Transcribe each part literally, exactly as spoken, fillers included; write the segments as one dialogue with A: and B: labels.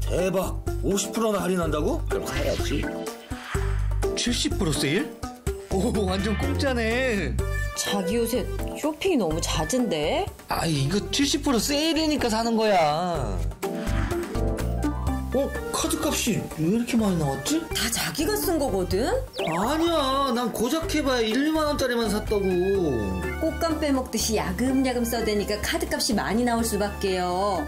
A: 대박! 오십 퍼센트나 할인한다고? 그럼 사야지.
B: 칠십 퍼센트 세일? 오, 완전 공짜네.
C: 자기 요새 쇼핑이 너무 잦은데?
B: 아, 이거 칠십 퍼센트 세일이니까 사는 거야.
A: 어? 카드값이 왜 이렇게 많이 나왔지?
C: 다 자기가 쓴 거거든?
A: 아니야, 난 고작 해봐야 일, 이만 원짜리만 샀다고.
C: 꽃감 빼먹듯이 야금야금 써대니까 카드값이 많이 나올 수밖에요.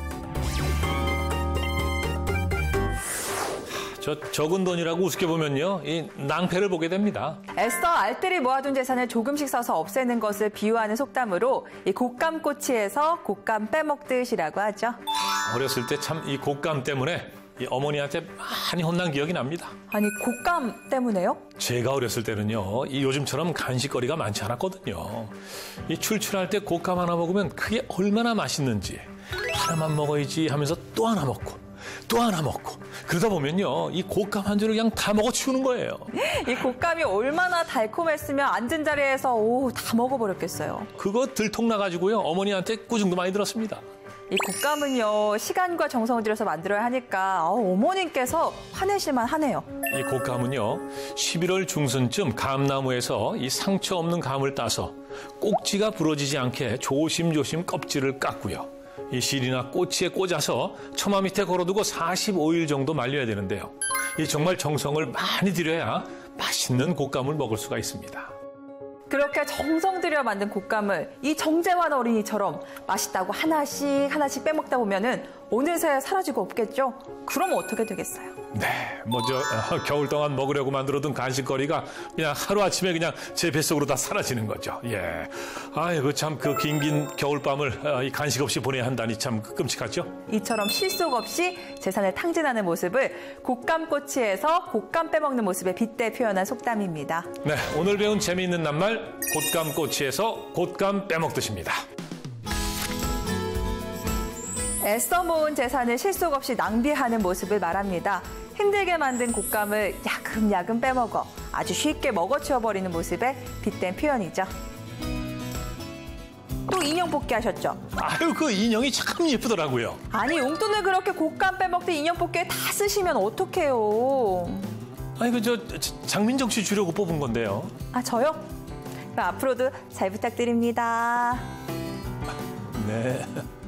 D: 저 적은 돈이라고 우습게 보면요, 이 낭패를 보게 됩니다.
E: 애써 알뜰히 모아둔 재산을 조금씩 써서 없애는 것을 비유하는 속담으로 이 곶감꼬치에서 곶감 빼먹듯이라고 하죠.
D: 어렸을 때 참 이 곶감 때문에 이 어머니한테 많이 혼난 기억이 납니다.
E: 아니, 곶감 때문에요?
D: 제가 어렸을 때는요, 이 요즘처럼 간식거리가 많지 않았거든요. 이 출출할 때 곶감 하나 먹으면 그게 얼마나 맛있는지 하나만 먹어야지 하면서 또 하나 먹고 또 하나 먹고 그러다 보면요, 이 곶감 한 줄을 그냥 다 먹어 치우는 거예요.
E: 이 곶감이 얼마나 달콤했으면 앉은 자리에서 오, 다 먹어버렸겠어요.
D: 그거 들통나가지고요, 어머니한테 꾸중도 많이 들었습니다.
E: 이 곶감은요, 시간과 정성을 들여서 만들어야 하니까 어, 어머님께서 화내실만 하네요.
D: 이 곶감은요, 십일월 중순쯤 감나무에서 이 상처 없는 감을 따서 꼭지가 부러지지 않게 조심조심 껍질을 깎고요. 이 실이나 꼬치에 꽂아서 처마 밑에 걸어두고 사십오 일 정도 말려야 되는데요. 이 정말 정성을 많이 들여야 맛있는 곶감을 먹을 수가 있습니다.
E: 그렇게 정성 들여 만든 곶감을 이 정재환 어린이처럼 맛있다고 하나씩 하나씩 빼먹다 보면은 어느새 사라지고 없겠죠? 그럼 어떻게 되겠어요?
D: 네, 먼저 어, 겨울 동안 먹으려고 만들어둔 간식거리가 그냥 하루아침에 그냥 제 뱃속으로 다 사라지는 거죠. 예, 아이고 참 그 긴긴 겨울밤을 어, 이 간식 없이 보내야 한다니 참 끔찍하죠.
E: 이처럼 실속 없이 재산을 탕진하는 모습을 곶감꼬치에서 곶감 빼먹는 모습에 빗대 표현한 속담입니다.
D: 네, 오늘 배운 재미있는 낱말 곶감꼬치에서 곶감 빼먹듯입니다.
E: 애써 모은 재산을 실속 없이 낭비하는 모습을 말합니다. 힘들게 만든 곶감을 야금야금 빼먹어 아주 쉽게 먹어치워버리는 모습에 빗댄 표현이죠. 또 인형 뽑기 하셨죠?
D: 아유, 그 인형이 참 예쁘더라고요.
E: 아니, 용돈을 그렇게 곶감 빼먹듯 인형 뽑기에 다 쓰시면 어떡해요.
D: 아니, 그 저 장민정 씨 주려고 뽑은 건데요.
E: 아, 저요? 그럼 앞으로도 잘 부탁드립니다.
D: 네.